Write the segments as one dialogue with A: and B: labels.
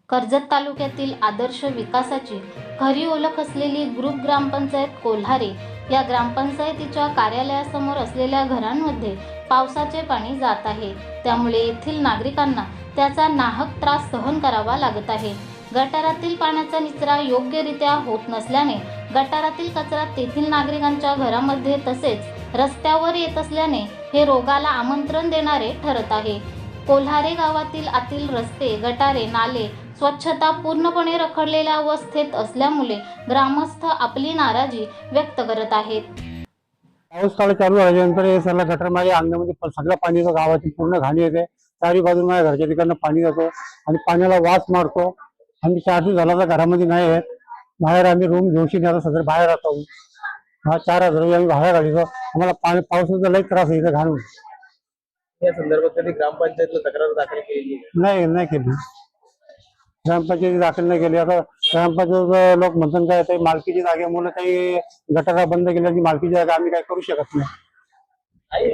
A: कर्जत तालुक्यातील आदर्श विकासाची खरी ओळख असलेली ग्रुप ग्रामपंचायत कोल्हारे या ग्रामपंचायतीच्या कार्यालयासमोर असलेल्या घरांमध्ये पावसाचे पाणी जात आहे। त्यामुळे येथील नागरिकांना त्याचा नाहक त्रास सहन करावा लागत आहे। गटारातील पाण्याचा निचरा योग्यरित्या होत नसल्याने गटारातील कचरा तेथील नागरिकांच्या घरामध्ये तसेच रस्त्यावर येत असल्याने हे रोगाला आमंत्रण देणारे ठरत आहे। कोल्हारे गावातील आतील रस्ते, गटारे, नाले स्वच्छता पूर्णपणे रखडलेल्या अवस्थेत असल्यामुळे ग्रामस्थ आपली नाराजी व्यक्त करत आहेत।
B: पाऊस काळ चालू झाल्यानंतर हे सगळं गटर माझ्या अंगणामध्ये सगळं पाणी येतं, गावाची पूर्ण घाणी येते। चारी बाजून माझ्या घरच्या तिकडनं पाणी जातो आणि पाण्याला वास मारतो। आम्ही 4 दिवस झाला तर घरामध्ये नाही आहेत, बाहेर आम्ही रूम घेऊशी नाही, आता सगळं बाहेर राहतो। 4,000 रुपये आम्ही भाडं काढतो। आम्हाला पावसाचा लई त्रास होईल घाण।
C: या संदर्भात कधी ग्रामपंचायतला तक्रार दाखल केली
B: नाही केली, ग्रामपंचायती दाखल नाही केली। आता ग्रामपंचायत लोक म्हणतात काय ते मालकीची जागेमुळे काही गटारा बंद केल्याची मालकीची जागा आम्ही काय करू शकत नाही।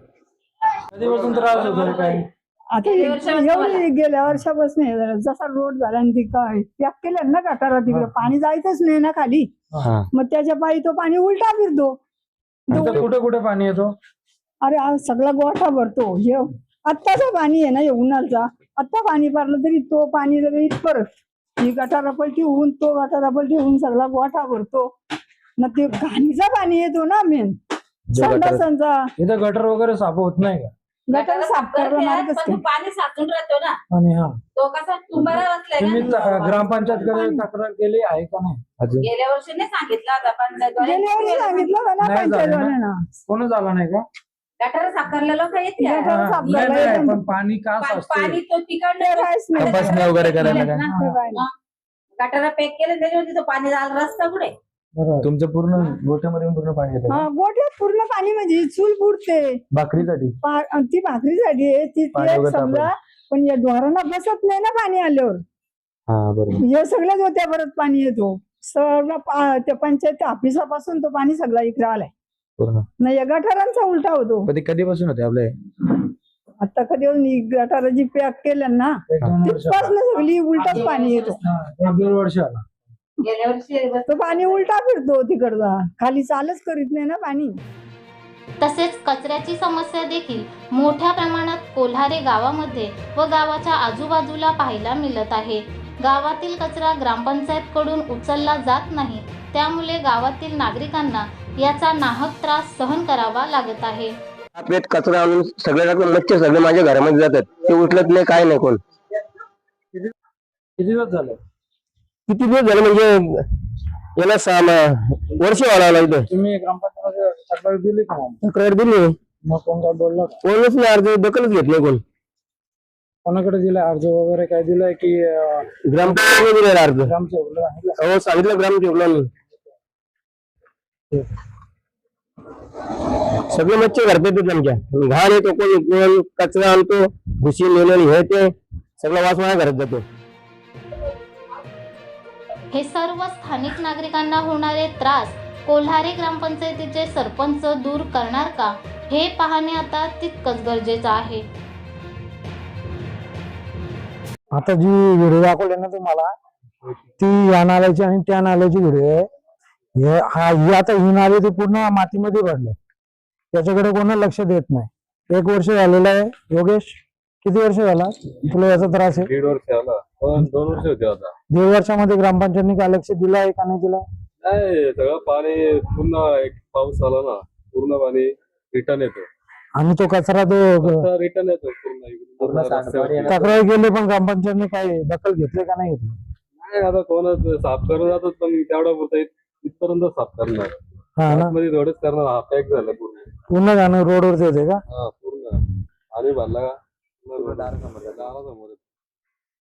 C: कधीपासून त्रास होतोय काय?
D: आता एवढी गेल्या वर्षापासून जसा रोड झाला आणि काय पॅक केलं ना गटारा, तिकडे पाणी जायचंच नाही ना खाली, मग त्याच्या पायी तो पाणी उलटा फिरतो।
C: कुठे कुठे पाणी येतो?
D: अरे आज सगळा गोठा भरतो। हे आत्ताचं पाणी आहे ना, हे उन्हाळचा आत्ता पाणी भरलं तरी तो पाणी जरी परत ही गटारा पलटी होऊन तो गटारा पलटी होऊन सगळा गोठा भरतो ना, ते घाणीचा पाणी येतो ना मेन संडासांचा।
C: इथं गटर वगैरे साफ होत नाही का?
D: गटार साफ करायला मार्गच
E: पण तो पाणी साचून राहतो ना,
C: आणि
E: तो कसा तुम्हाला
C: तुम्ही
E: बसलाय ना।
C: ग्रामपंचायतकडे तक्रार केली आहे का नाही अजून?
E: गेल्या वर्षी नाही सांगितलं आता पंचायत
D: गेल्या वर्षी सांगितलं होतं ना
C: नाही झालं ना?
D: पंचायतवाल्यांना,
C: कोण झाला नाही का?
E: गटार साफ करायला लोक येते
D: गटार साफ
C: नाही,
D: करायला
C: नाही,
D: येतात.
C: पण पाणी का साचते?
E: पाणी तो तिकडनं
D: काहीच नाही.
C: तपासणी वगैरे करायला काय?
D: ते काय नाही.
E: गटारा पॅक केलं त्याच्यामध्ये तो पाणी झाला रस्ता पुढे।
C: बरोबर.
F: तुमचं पूर्ण गोठ्यामध्ये पूर्ण पाणी येतं
D: हा, गोठ्यात पूर्ण पाणी म्हणजे चूल फुटते
F: भाकरीसाठी?
D: ती भाकरीसाठी आहे ती
F: पाणी
D: ते
F: वगैरे
D: समजा, पण या ढोरांना बसत नाही ना पाणी आल्यावर।
F: हा बरोबर।
D: हे सगळ्या गोत्या परत पाणी येतो सगळं त्या पंचायत ऑफिसापासून तो पाणी सगळा इकडे आलाय
F: पूर्ण
D: ना, या गटारांचा उलटा होतो।
F: पण ते कधीपासून होते आपले?
D: आता कधी गटाराची पॅक केल्या ना,
C: 1-2 वर्ष
D: तिथपासून सगळी उलटाच पाणी येतो।
C: 1-2 वर्ष आला।
E: गेल्या वर्षी
D: तो पाणी उलटा फिरतो तिकडचा, खाली चालच करीत नाही ना पाणी।
A: तसेच कचऱ्याची समस्या देखील मोठ्या प्रमाणात कोल्हारे गावामध्ये व गावाच्या आजूबाजूला पाहायला मिळत आहे। गावातील कचरा ग्रामपंचायतकडून उचलला जात नाही, त्यामुळे गावातील नागरिकांना याचा नाहक त्रास सहन करावा लागत आहे।
G: पेट कचरा आणून सगळे मच्छर सगळे माझ्या घरामध्ये जातात, ते उचलत नाही, काय नाही कोण।
C: किती दिवस झाले?
G: किती दिवस झाले म्हणजे याला 6 वर्ष व्हायला इथे।
C: तुम्ही ग्रामपंचायत तक्रार दिली का मग?
G: तक्रार दिली,
C: मग कोण काय बोलला का?
G: कोणच नाही, अर्ज दखलच घेत नाही कोण।
C: कोणाकडे दिलाय अर्ज वगैरे काय दिलाय की
G: ग्रामपंचायत दिलेला अर्ज?
C: ग्रामसेवकला सांगितलं?
G: हो सांगितलं ग्रामसेवकला मी। सगळे मच्छर घरात येतात आमच्या, घाण येतो, कोण कचरा आणतो, भुशी नेलं हे ते सगळं वास माझ्या घरात जातो।
A: हे सर्व स्थानिक नागरिकांना होणारे त्रास कोल्हारे ग्रामपंचायतीचे सरपंच दूर करणार का, हे पाहणे आता तितकंच गरजेचं आहे।
B: आता जी व्हिडिओ दाखवले ना तुम्हाला, ती या नाल्याची आणि त्या नाल्याची व्हिडिओ आहे। ही आता ही नाली ती पूर्ण मातीमध्ये भरले, त्याच्याकडे कोण लक्ष देत नाही। 1 वर्ष झालेलं आहे। योगेश, किती वर्ष झाला तुला याचा त्रास आहे?
F: 1.5 वर्ष आला, 2 वर्ष होते आता।
B: 1.5 वर्षामध्ये ग्रामपंचायतने काय लक्ष दिलं आहे का नाही दिला?
F: नाही, सगळं पाणी पूर्ण एक पाऊस आला ना, पूर्ण पाणी रिटर्न येतो
B: आणि तो कचरा तो
F: रिटर्न येतो पूर्ण रस्त्यावरती।
B: तक्रार केली पण ग्रामपंचायतने काय दखल घेतली का नाही घेतली?
F: नाही, आता कोणच साफ करून जातात, पण तेवढा पुरता इथपर्यंत साफ करणार,
B: हा ना,
F: मध्ये थोडेच करणार। हा पॅक झालं पूर्ण,
B: पूर्ण जाणं रोडवरती येते का?
F: हा पूर्ण आणि भरला का दारासमोर